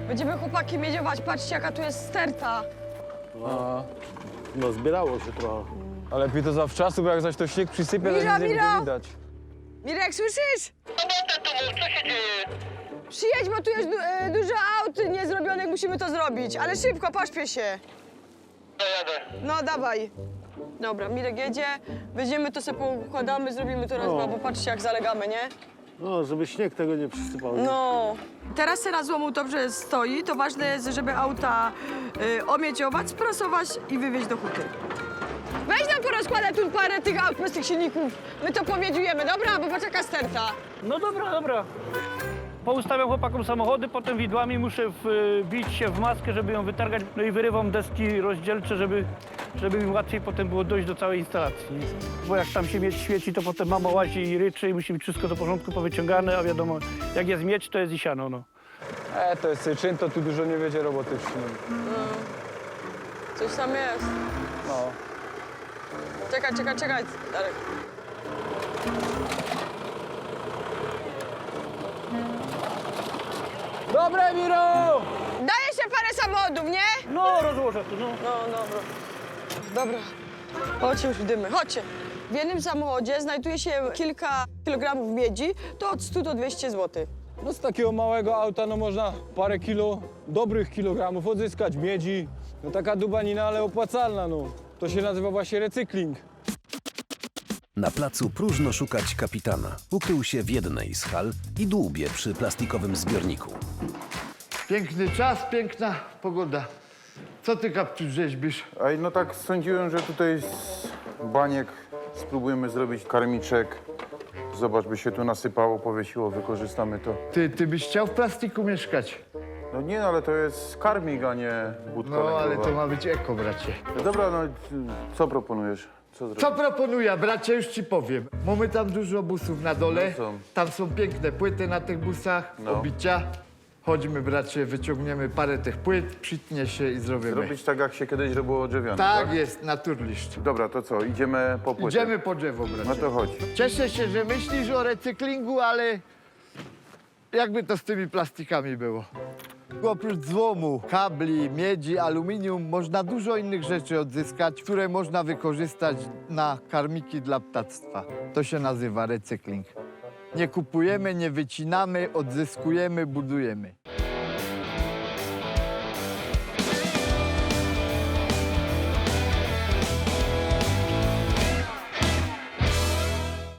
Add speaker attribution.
Speaker 1: Będziemy chłopaki miedziować. Patrzcie, jaka tu jest sterta.
Speaker 2: No zbierało się trochę.
Speaker 3: Ale lepiej to zawczasu, bo jak zaś to śnieg przysypie, to
Speaker 1: Mira,
Speaker 3: nic nie
Speaker 1: Mira!
Speaker 3: będzie widać.
Speaker 1: Mirek, słyszysz?
Speaker 4: Co się dzieje?
Speaker 1: Przyjedź, bo tu jest dużo aut niezrobionych, musimy to zrobić. Ale szybko, pośpiesz się.
Speaker 4: Dojadę.
Speaker 1: No, dawaj. Dobra, Mirek jedzie, weźmiemy to sobie poukładamy, zrobimy to raz,
Speaker 2: No.
Speaker 1: bo patrzcie, jak zalegamy, nie?
Speaker 2: No, żeby śnieg tego nie przysypał.
Speaker 1: No. Teraz teraz złomu dobrze stoi, to ważne jest, żeby auta omieciować, sprasować i wywieźć do huty. Weź nam porozkładać tu parę tych aut bez tych silników. My to powiedziujemy, dobra? Bo poczeka sterta.
Speaker 5: No dobra, dobra. Poustawiam chłopakom samochody, potem widłami muszę wbić się w maskę, żeby ją wytargać. No i wyrywam deski rozdzielcze, żeby mi łatwiej potem było dojść do całej instalacji. Bo jak tam się miedź świeci, to potem mama łazi i ryczy i musi być wszystko do porządku powyciągane, a wiadomo, jak jest miedź, to jest i siano, no.
Speaker 3: To jest czyn, to tu dużo nie będzie roboty w śniegu.
Speaker 1: Coś tam jest.
Speaker 3: No.
Speaker 1: Czekaj, Darek.
Speaker 3: Dobre, Miro!
Speaker 1: Daje się parę samochodów, nie?
Speaker 5: No, rozłożę tu, no.
Speaker 1: No, dobra. Dobra. Chodźcie już dymy, chodźcie. W jednym samochodzie znajduje się kilka kilogramów miedzi, to od 100 do 200 zł.
Speaker 3: No z takiego małego auta no można parę dobrych kilogramów odzyskać miedzi. No taka dubanina, ale opłacalna, no. To się nazywa właśnie recykling.
Speaker 6: Na placu próżno szukać kapitana. Ukrył się w jednej z hal i dłubie przy plastikowym zbiorniku.
Speaker 7: Piękny czas, piękna pogoda. Co ty, Kapciu, rzeźbisz?
Speaker 8: Ej, no tak sądziłem, że tutaj z baniek spróbujemy zrobić karmiczek. Zobacz, by się tu nasypało, powiesiło, wykorzystamy to.
Speaker 7: Ty byś chciał w plastiku mieszkać?
Speaker 8: No nie, ale to jest karmik, a nie budka
Speaker 7: No, ale
Speaker 8: lęgowa.
Speaker 7: to ma być eko, bracie.
Speaker 8: No dobra, no co proponujesz? Co zrobić?
Speaker 7: Co proponuję, bracie, już ci powiem. Mamy tam dużo busów na dole.
Speaker 8: No są.
Speaker 7: Tam są piękne płyty na tych busach,
Speaker 8: No.
Speaker 7: obicia. Chodźmy, bracie, wyciągniemy parę tych płyt, przytnie się i zrobimy.
Speaker 8: Zrobić tak, jak się kiedyś robiło drzewiane,
Speaker 7: Tak jest, naturliszcz.
Speaker 8: Dobra, to co, idziemy po płytę?
Speaker 7: Idziemy po drzewo, bracie.
Speaker 8: No to chodź.
Speaker 7: Cieszę się, że myślisz o recyklingu, ale jakby to z tymi plastikami było? Oprócz złomu, kabli, miedzi, aluminium, można dużo innych rzeczy odzyskać, które można wykorzystać na karmiki dla ptactwa. To się nazywa recykling. Nie kupujemy, nie wycinamy, odzyskujemy, budujemy.